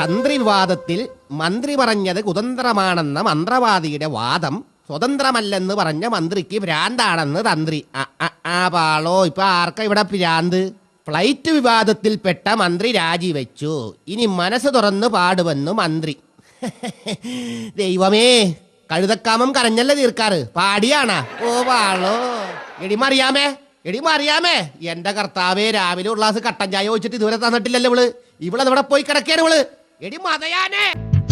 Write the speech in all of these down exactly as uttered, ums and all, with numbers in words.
തന്ത്രി വിവാദത്തിൽ മന്ത്രി പറഞ്ഞത് കുതന്ത്രമാണെന്ന മന്ത്രവാദിയുടെ വാദം സ്വതന്ത്രമല്ലെന്ന് പറഞ്ഞ മന്ത്രിക്ക് ഭ്രാന്താണെന്ന് തന്ത്രി. ആ പാളോ, ഇപ്പൊ ആർക്കാ ഇവിടെ ഭ്രാന്ത്? ഫ്ലൈറ്റ് വിവാദത്തിൽപ്പെട്ട മന്ത്രി രാജിവെച്ചു, ഇനി മനസ്സ് തുറന്ന് പാടുവെന്നു മന്ത്രി. ദൈവമേ, കഴുതക്കാമം കരഞ്ഞല്ലേ തീർക്കാറ്, പാടിയാണാ? ഓ പാളോ. എടി മറിയാമേ, എടി മറിയാമേ, എന്റെ കർത്താവേ, രാവിലെ ഒരു ഗ്ലാസ് കട്ടൻ ചായ വെച്ചിട്ട് ഇതുവരെ തന്നിട്ടില്ലല്ലോ ഇവള്. ഇവളത് ഇവിടെ പോയി കിടക്കേണ് ഇവള്. എടി മതയാനേ.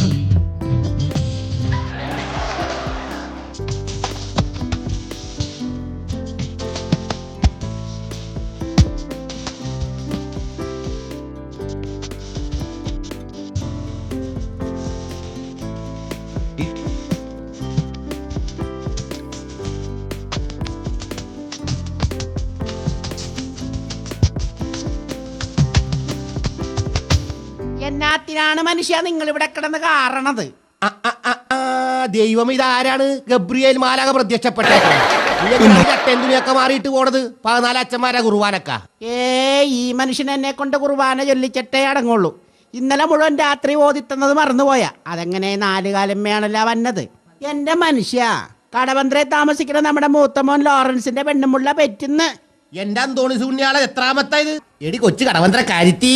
എന്നാത്തിനാണ് മനുഷ്യ നിങ്ങൾ ഇവിടെ കിടന്ന് കാരണത്? ദൈവം, ഇതാരാണ്? ഗബ്രിയേൽ മാലാക പ്രത്യക്ഷപ്പെട്ടേക്കാണ്. ചട്ടേന്തുണിയൊക്കെ മാറിയിട്ട് പോണത് പതിനാല് അച്ഛന്മാരാ കുർബാനക്ക. ഏ ഈ മനുഷ്യൻ എന്നെ കൊണ്ട് കുർബാന ചൊല്ലിച്ചിട്ടേ അടങ്ങുള്ളൂ. ഇന്നലെ മുഴുവൻ രാത്രി ഓതിത്തുന്നത് മറന്നുപോയാ. അതെങ്ങനെ നാലുകാലമ്മയാണല്ലോ വന്നത്. എന്റെ മനുഷ്യ, കടവന്ത്രയെ താമസിക്കുന്ന നമ്മുടെ മൂത്തമോൻ ലോറൻസിന്റെ പെണ്ണുമുള്ള പെറ്റുന്ന്. എന്റെ അന്തോണി സുണ്യാളെ എത്രാമത്തായത്? എടി കൊച്ചു കടവന്ത്ര കാര്യത്തി,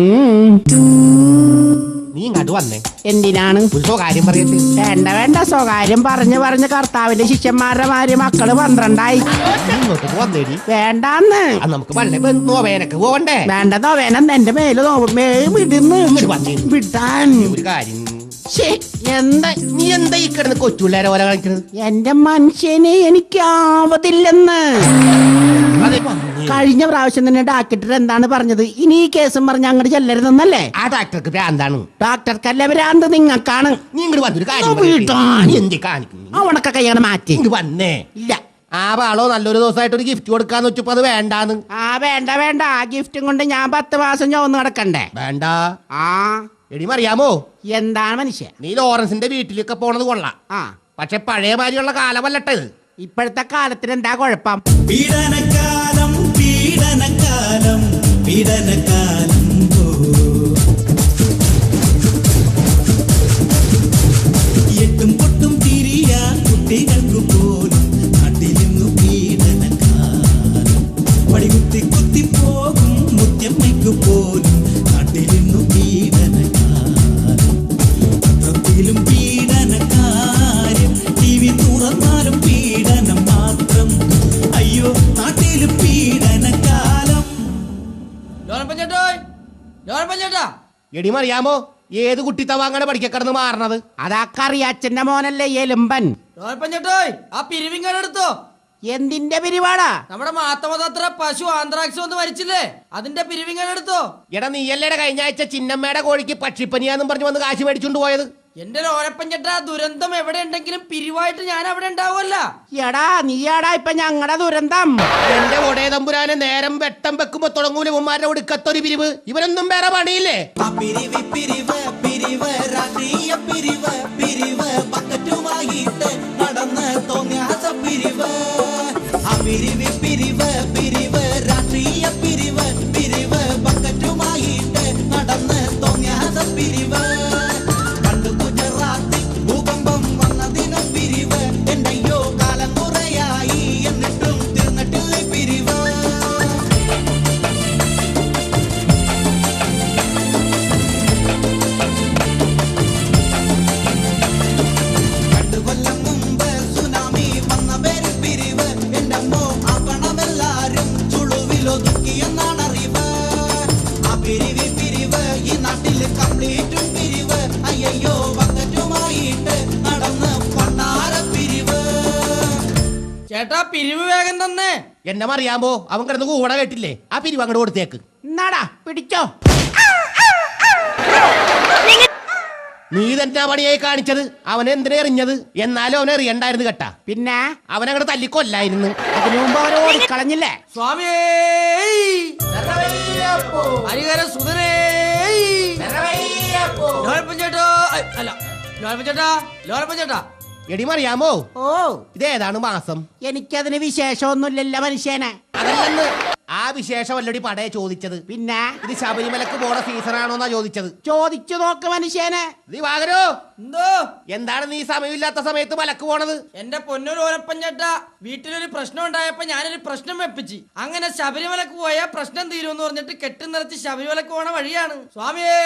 നീ ഇങ്ങോട്ട് വന്നേ. എന്തിനാണ്? സ്വകാര്യം പറയട്ടെ. വേണ്ട വേണ്ട, സ്വകാര്യം പറഞ്ഞ് പറഞ്ഞ് കർത്താവിന്റെ ശിഷ്യന്മാരുടെ മാര് മക്കള് പന്ത്രണ്ടായി. വന്നേടി. വേണ്ടാന്ന്. നമുക്ക് പള്ളി നോവേനക്ക് പോവണ്ടേ? വേണ്ട, നോവേനം എന്റെ മേല് നോവേ വിടുന്ന് വിട്ടാൻ. ഒരു കാര്യം, എന്താ നീ എന്താ ഈ കിടന്ന് കൊച്ചുള്ളേരെ പോലെ കളിക്കുന്നത്? എന്റെ മനുഷ്യനെ എനിക്കാവതില്ലെന്ന് കഴിഞ്ഞ പ്രാവശ്യം തന്നെ ഡാക്ടർ എന്താണ് പറഞ്ഞത്? ഇനി ഈ കേസും പറഞ്ഞ് അങ്ങോട്ട് ചെല്ലരുതെന്നല്ലേ? ആ ഡാക്ടർക്ക് ഭ്രാന്താണ്. ഡാക്ടർക്കല്ല ഭ്രാന്ത്, നിങ്ങൾക്കാണ്. നീ ഇങ്ങോട്ട് വന്നൊരു കാര്യം അവണൊക്കെ കൈയാണ് മാറ്റി വന്നേ. ഇല്ല, ആ പാളോ നല്ലൊരു ദിവസമായിട്ട് ഒരു ഗിഫ്റ്റ് കൊടുക്കാന്ന് വെച്ചപ്പോ അത് വേണ്ടാന്ന്. ആ വേണ്ട വേണ്ട, ആ ഗിഫ്റ്റും കൊണ്ട് ഞാൻ പത്ത് മാസം ചോന്ന് കിടക്കണ്ടേ? വേണ്ട. ആ എടി അറിയാമോ എന്താണ് മനുഷ്യ, നീ ലോറൻസിന്റെ വീട്ടിലൊക്കെ പോണത് കൊള്ളാം. ആ പക്ഷെ പഴയ മാതിരിയുള്ള കാലമല്ലട്ട ഇത്. ഇപ്പോഴത്തെ കാലത്തിന് എന്താ കുഴപ്പം? പീഡനക്കാലം പീഡനക്കാലം പീഡനക്കാലം എട്ടും പൊട്ടും തിരിയാ കുട്ടികൾക്ക് പോലും നാട്ടിലിന്നു പീഡനക്കാലം. പടികുത്തി കുത്തി പോകും മുത്തമ്മയ്ക്ക് പോലും നാട്ടിലിന്നു പീഡനക്കാലം. പത്രത്തിലും പീഡനക്കാര്യം, ടി വി തുറന്നാലും പീഡനം മാത്രം. അയ്യോ നാട്ടിലും പീഡനക്കാലം. എടി അറിയാമോ, ഏത് കുട്ടിത്തവാങ്ങനെ പഠിക്കക്കിടന്ന് മാറണത്? അതാക്കറിയ അച്ഛന്റെ മോനല്ലേ എലുമ്പൻ. ആ പിരിവിങ്ങെടുത്തോ. എന്തിന്റെ പിരിവാടാ? നമ്മുടെ മാത്തമതത്ര പശു ആന്ത്രാക്സ് വന്ന് മരിച്ചില്ലേ, അതിന്റെ പിരിവിങ്ങെടുത്തോ. എടാ, നീയല്ലേടെ കഴിഞ്ഞ ആഴ്ച ചിന്നമ്മയുടെ കോഴിക്ക് പക്ഷിപ്പനിയാന്നും പറഞ്ഞു വന്ന് കാശ് മേടിച്ചോണ്ട് പോയത്? എന്റെ ലോരപ്പൻ ചേട്ടാ, ദുരന്തം എവിടെ ഉണ്ടെങ്കിലും പിരിവായിട്ട് ഞാൻ അവിടെ ഉണ്ടാവുമല്ല. എടാ നീയാടാ ഇപ്പൊ ഞങ്ങളുടെ ദുരന്തം. എന്റെ ഒടേ തമ്പുരാനെ, നേരം വെട്ടം വെക്കുമ്പോ തുടങ്ങൂല ഉമ്മാരുടെ ഒടുക്കത്തൊരു പിരിവ്. ഇവരൊന്നും വേറെ പണിയില്ലേ? പിരിവ് പിരിവ് പിരിവ് രാഷ്ട്രീയ പിരിവ് പിരിവ് ബക്കറ്റുമായിട്ട് നടന്ന് തോന്നിയാസ പിരിവ്. ആ പിരിവ് പിരിവ് പിരിവ് രാഷ്ട്രീയ പിരിവ് പിരിവ് ബക്കറ്റുമായിട്ട് നടന്ന് തോന്നിയാസ പിരിവ്. പണ്ട് ഗുജറാത്തിൽ ഭൂകമ്പം വന്നതിന് പിരിവ്. എന്റെയോ കാലം കുറയായി എന്നിട്ടും തീർന്നിട്ടില്ല പിരിവ്. രണ്ടു കൊല്ലം മുമ്പ് സുനാമി വന്ന പേര് പിരിവ്. എന്റെ അമ്മോ, ആ പണമെല്ലാരും ചുളുവിലൊതുക്കിയെന്നാണ് അറിവ്. ആ പിരിവ് പിരിവ് ഈ നാട്ടിൽ കംപ്ലീറ്റും പിരിവ്. അയ്യോ ബക്കറ്റുമായിട്ട് നടന്ന് പണ്ടാര പിരിവ്. ചേട്ടാ പിരിവ് വേഗം തന്നെ. എന്നെ അറിയാമോ, അവൻ കിടന്ന് കൂടെ കേട്ടില്ലേ? ആ പിരിവ് അങ്ങോട്ട് കൊടുത്തേക്ക്. എന്നാടാ പിടിച്ചോ. നീ തന്നെ പണിയായി കാണിച്ചത്. അവനെ എന്തിനാ എറിഞ്ഞത്? എന്നാലും അവനെ എറിയണ്ടായിരുന്നു കേട്ടാ. പിന്നെ അവനങ്ങോട്ട് തല്ലിക്കൊല്ലായിരുന്നു. അതിനു മുമ്പ് അവരെ ഓടിക്കളഞ്ഞില്ലേ? സ്വാമിയേ ഹരിഹര സുധനേ ലോരപ്പൻ ചേട്ടാ. അല്ല ലോരപ്പൻ ചേട്ടാ, ലോരപ്പൻ ചേട്ടാ. എടി അറിയാമോ, ഓ ഇതേതാണ് മാസം? എനിക്കതിന് വിശേഷമൊന്നുമില്ലല്ലോ മനുഷ്യനെ. അതല്ലെന്ന് ആ വിശേഷമല്ലടി പടയെ ചോദിച്ചത്. പിന്നെ ഇത് ശബരിമലക്ക് പോണ സീസണാണോന്നാ ചോദിച്ചത്. ചോദിച്ചു നോക്ക് മനുഷ്യനെ. നീ വാകരോ, എന്തോ എന്താണ് നീ സമയമില്ലാത്ത സമയത്ത് മലക്ക് പോണത്? എന്റെ പൊന്നൊരു ഓലപ്പൻ ചേട്ടാ, വീട്ടിലൊരു പ്രശ്നം ഉണ്ടായപ്പോ ഞാനൊരു പ്രശ്നം വെപ്പിച്ച്. അങ്ങനെ ശബരിമലക്ക് പോയാ പ്രശ്നം തീരുമെന്ന് പറഞ്ഞിട്ട് കെട്ടി നിറച്ച് ശബരിമലക്ക് പോണ വഴിയാണ്. സ്വാമിയേ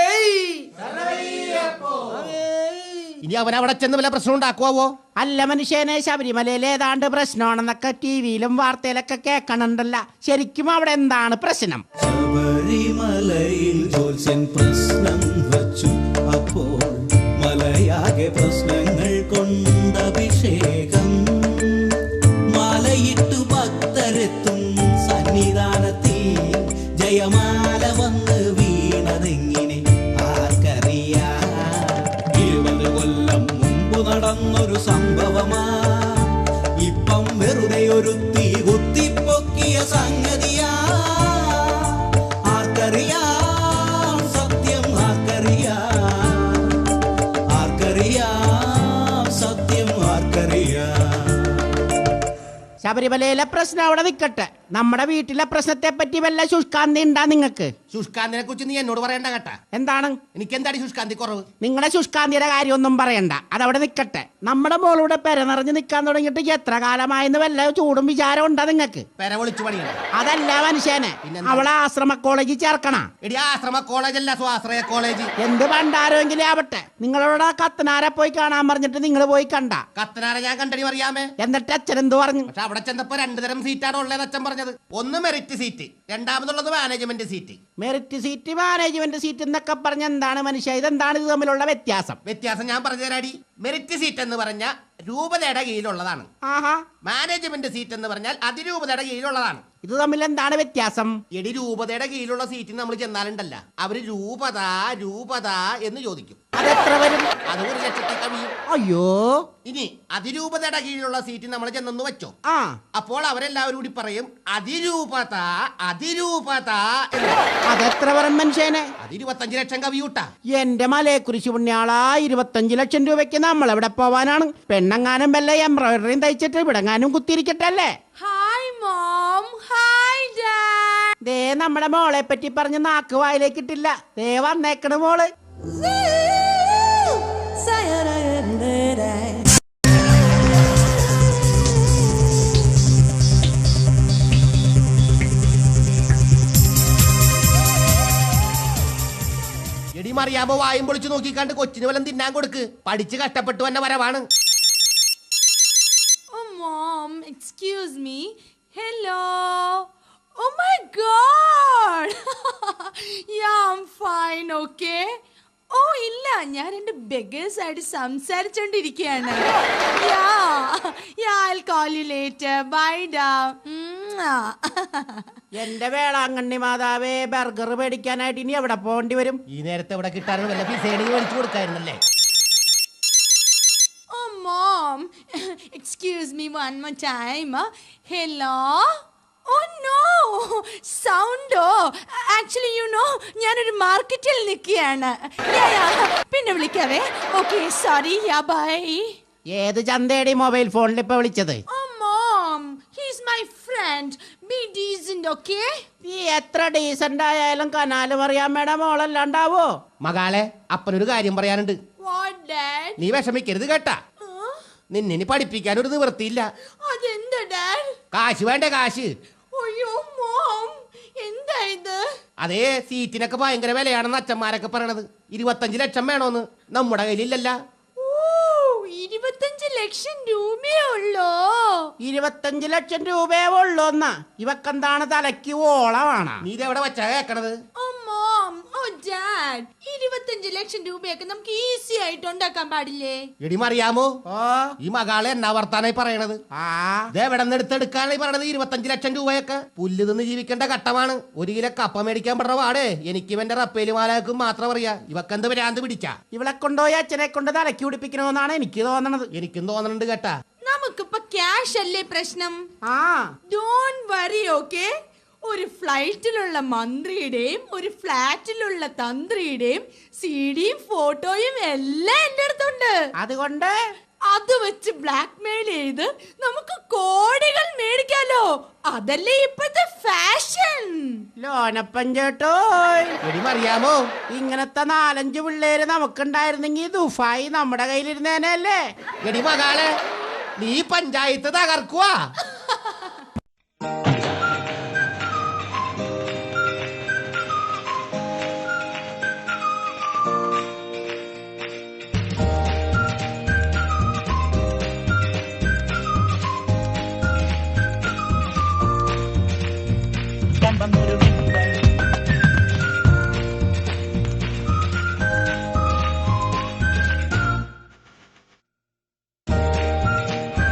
ഇനി അവനവിടെ ചെന്ന് വല്ല പ്രശ്നം ഉണ്ടാക്കുവോ? അല്ല മനുഷ്യനെ, ശബരിമലയിൽ ഏതാണ്ട് പ്രശ്നമാണെന്നൊക്കെ ടി വിയിലും വാർത്തയിലൊക്കെ കേൾക്കണുണ്ടല്ല. ശരിക്കും അവിടെ എന്താണ് പ്രശ്നം? ശബരിമലയിൽ ജോത്സ്യൻ പ്രശ്നം വച്ചു. അപ്പോൾ മലയാകെ പ്രശ്നങ്ങൾ കൊണ്ടഭിഷേകം. മാലയിട്ടു ഭക്തരെത്തും സന്നിധാനത്തിൽ ജയമാല വന്ന് വീണതെങ്ങിനെ ആർക്കറിയാം? ഇരുപത് കൊല്ലം മുമ്പ് നടന്നൊരു സംഭവമാ ഇപ്പം വെറുതെ ഒരു തീ കുത്തിപ്പൊക്കിയ സംഗതിയാ. ആർക്കറിയാം സത്യം, ആർക്കറിയാം, ആർക്കറിയാം സത്യം, ആർക്കറിയാം. ശബരിമലയിലെ പ്രശ്നം അവിടെ നിൽക്കട്ടെ, നമ്മുടെ വീട്ടിലെ പ്രശ്നത്തെ പറ്റി വല്ല ശുഷ്കാന്തി ഉണ്ടാ നിങ്ങൾക്ക്? ശുഷ്കാന്തിനെ കുറിച്ച് നീ എന്നോട് പറയണ്ട കേട്ടാ. എന്താണ്? എനിക്ക് എന്താണ് ശുഷ്കാന്തി കുറവ്? നിങ്ങളുടെ ശുഷ്കാന്തിയുടെ കാര്യമൊന്നും പറയണ്ട, അതവിടെ നിൽക്കട്ടെ. നമ്മുടെ മോളൂടെ പെര നിറഞ്ഞ് നിൽക്കാൻ തുടങ്ങിയിട്ട് എത്ര കാലമായെന്ന് വല്ല ചൂടും വിചാരം ഉണ്ടാ നിങ്ങൾക്ക്? പെര വിളിച്ചു പണിയാണ്. അതല്ല മനുഷ്യനെ, അവളെ ആശ്രമ കോളേജിൽ ചേർക്കണ. എടി ആശ്രമ കോളേജ് അല്ല, സ്വാശ്രയ കോളേജ്. എന്ത് പണ്ടാരെങ്കിലും ആവട്ടെ, നിങ്ങളോട് കത്തനാരെ പോയി കാണാൻ പറഞ്ഞിട്ട് നിങ്ങൾ പോയി കണ്ട? കത്തനാരെ ഞാൻ കണ്ടടി അറിയാമേ. എന്നിട്ട് അച്ഛൻ എന്ത് പറഞ്ഞു? പക്ഷെ അവിടെ ചെന്നപ്പോ രണ്ടു തരം സീറ്റാണ് ഉള്ളത് അച്ഛൻ പറഞ്ഞത്. ഒന്ന് മെറിറ്റ് സീറ്റ്, രണ്ടാമതുള്ളത് management seat. Merit seat, management seat എന്നൊക്കെ പറഞ്ഞ എന്താണ് മനുഷ്യ? ഇതെന്താണ് ഇത് തമ്മിലുള്ള വ്യത്യാസം? വ്യത്യാസം ഞാൻ പറഞ്ഞു തരാടി. മെറിറ്റ് സീറ്റ് എന്ന് പറഞ്ഞ രൂപതയുടെ കീഴിലുള്ളതാണ്. ആഹാ. മാനേജ്മെന്റ് സീറ്റ് എന്ന് പറഞ്ഞാൽ അതിരൂപതയുടെ കീഴിലുള്ളതാണ്. ഇത് തമ്മിൽ എന്താണ് വ്യത്യാസം? എടി രൂപതയുടെ കീഴിലുള്ള സീറ്റിൽ നമ്മൾ ചെന്നാലുണ്ടല്ല, അവര് രൂപത രൂപത എന്ന് ചോദിക്കും. അതെത്ര വരും? അത് ഒരു ലക്ഷത്തെ കവിയും. അയ്യോ. ഇനി അതിരൂപതയുടെ കീഴിലുള്ള സീറ്റ് നമ്മൾ ചെന്നെന്ന് വെച്ചോ, ആ, അപ്പോൾ അവരെല്ലാവരും കൂടി പറയും അതിരൂപത അതിരൂപത എന്ന്. അതെത്ര വരും മനുഷ്യനെ? അത് ഇരുപത്തഞ്ച് ലക്ഷം കവിയൂട്ടാ. എന്റെ മലയെക്കുറിച്ച് പുണ്യാളാ, ഇരുപത്തഞ്ച് ലക്ഷം രൂപയ്ക്ക് നമ്മൾ എവിടെ പോവാനാണ്? പെണ്ണങ്ങാനും വല്ല എംബ്രോയിഡറിയും തയ്ച്ചിട്ട് ഇവിടെങ്ങാനും കുത്തിയിരിക്കട്ടെ അല്ലേ? Hi mom, hi dad. ദേ നമ്മുടെ മോളെ പറ്റി പറഞ്ഞ് നാക്ക് വായിലേക്ക് ഇട്ടില്ല. ദേ വന്നേക്കണ മോള്. എടി മറിയാമ്പോ വായും പൊളിച്ചു നോക്കിക്കാണ്ട് കൊച്ചിന് വല്ലതും തിന്നാൻ കൊടുക്ക്. പഠിച്ച് കഷ്ടപ്പെട്ടു തന്നെ വരവാണ്. Oh mom, excuse me. Hello. Oh my god. Yeah, I'm fine, okay? ഓ ഇല്ല, ഞാൻ എൻ്റെ ബെഗേഴ്സ് ആയിട്ട് സംസാരിച്ചോണ്ടിരിക്കുകയാണ്. എന്റെ വേളാങ്കണ്ണി മാതാവേ, ബർഗർ മേടിക്കാനായിട്ട് ഇനി എവിടെ പോകേണ്ടി വരും? ഈ നേരത്തെ ഇവിടെ കിട്ടാനും വല്ല പിസേഡിങ് മേടിച്ചു കൊടുക്കായിരുന്നല്ലേ. Oh mom, excuse me one more time. Hello. Oh no, സൗണ്ടോ? ആക്ച്വലി യു നോ, ഞാനൊരു മാർക്കറ്റിൽ നിൽക്കുകയാണ്. പിന്നെ വിളിക്കാവേ. Okay, sorry. Ya bye. ഏത് ചന്തേടി മൊബൈൽ ഫോണിൽ ഇപ്പൊ വിളിച്ചത്? Oh mom, he's my friend. Be decent, okay? നീ എത്ര ഡീസന്റ് ആയാലും കനാലും അറിയാൻ മേടം മോളല്ലാണ്ടാവോ? മകളെ, അപ്പനൊരു കാര്യം പറയാനുണ്ട്. What, dad? നീ വിഷമിക്കരുത് കേട്ടാ. Huh? നിന്നെ പഠിപ്പിക്കാൻ ഒരു നിവൃത്തിയില്ല. അതെന്താ ഡാഡ്? കാശ് വേണ്ടേ കാശ്? അയ്യോ മോം, എന്താ ഇത്? അതേ, സീറ്റിനൊക്കെ ഭയങ്കര വിലയാണെന്ന് അച്ഛന്മാരൊക്കെ പറയണത്. ഇരുപത്തഞ്ച് ലക്ഷം വേണോന്ന്. നമ്മുടെ കയ്യിലില്ലല്ല. ഇരുപത്തഞ്ച് ലക്ഷം രൂപയേ ഉള്ളോ? ഇരുപത്തഞ്ച് ലക്ഷം രൂപയേ ഉള്ളൂന്നാ? ഇവക്കെന്താണ് തലയ്ക്ക് ഓളമാണ്? നീ ഇതെവിടെ വെച്ചാ കേക്കണത്? ഓ മോം, ഓ ഡാഡ്, ഇരുപത്തഞ്ച് ലക്ഷം രൂപയൊക്കെ നമുക്ക് ഈസി ആയിട്ട് ഉണ്ടാക്കാൻ പാടില്ലേ? എടി മറിയാമോ, ഓ, ഈ മകളെ എന്നാ വർത്താനായി പറയണത്? ആ, ഇതെവിടെ നിന്ന് എടുത്തെടുക്കാനായി പറയണത്? ഇരുപത്തഞ്ച് ലക്ഷം രൂപയൊക്കെ പുല്ല് നിന്ന് ജീവിക്കേണ്ട ഘട്ടമാണ്. ഒരു കിലോ കപ്പ മേടിക്കാൻ പെടുന്ന പാടേ എനിക്കും എന്റെ റപ്പേലി മാലാക്കും മാത്രം അറിയാ. ഇവക്കെന്ത് ഭ്രാന്ത് പിടിച്ചാ? ഇവളെ കൊണ്ടുപോയി അച്ഛനെ കൊണ്ട് തലയ്ക്ക് പിടിപ്പിക്കണമെന്നാണ് എനിക്ക് തോന്നണത്. എനിക്കും തോന്നണുണ്ട് കേട്ടാ. നമുക്കിപ്പോ ക്യാഷ് അല്ലേ പ്രശ്നം? ആ, ഡോണ്ട് വറി, ഓക്കെ? ഒരു ഫ്ലൈറ്റിലുള്ള മന്ത്രിയുടെയും ഒരു ഫ്ലാറ്റിലുള്ള തന്ത്രിയുടെയും സിഡിയും ഫോട്ടോയും എല്ലാം എന്റെ അടുത്തുണ്ട്. അതുകൊണ്ട് അത് വെച്ച് ബ്ലാക്ക് മെയിൽ ചെയ്ത് നമുക്ക് കോടികൾ മേടിക്കാലോ. അതല്ലേ ഇപ്പത്തെ ഫാഷൻ. ലോനപ്പൻ ചേട്ടോ, അറിയാമോ ഇങ്ങനത്തെ നാലഞ്ച് പിള്ളേര് നമുക്കുണ്ടായിരുന്നെങ്കിൽ ദുഫായി നമ്മുടെ കയ്യിലിരുന്നേനല്ലേ. എടി മകാളെ, നീ പഞ്ചായത്ത് തകർക്കുവാ. കമ്പം ഒരു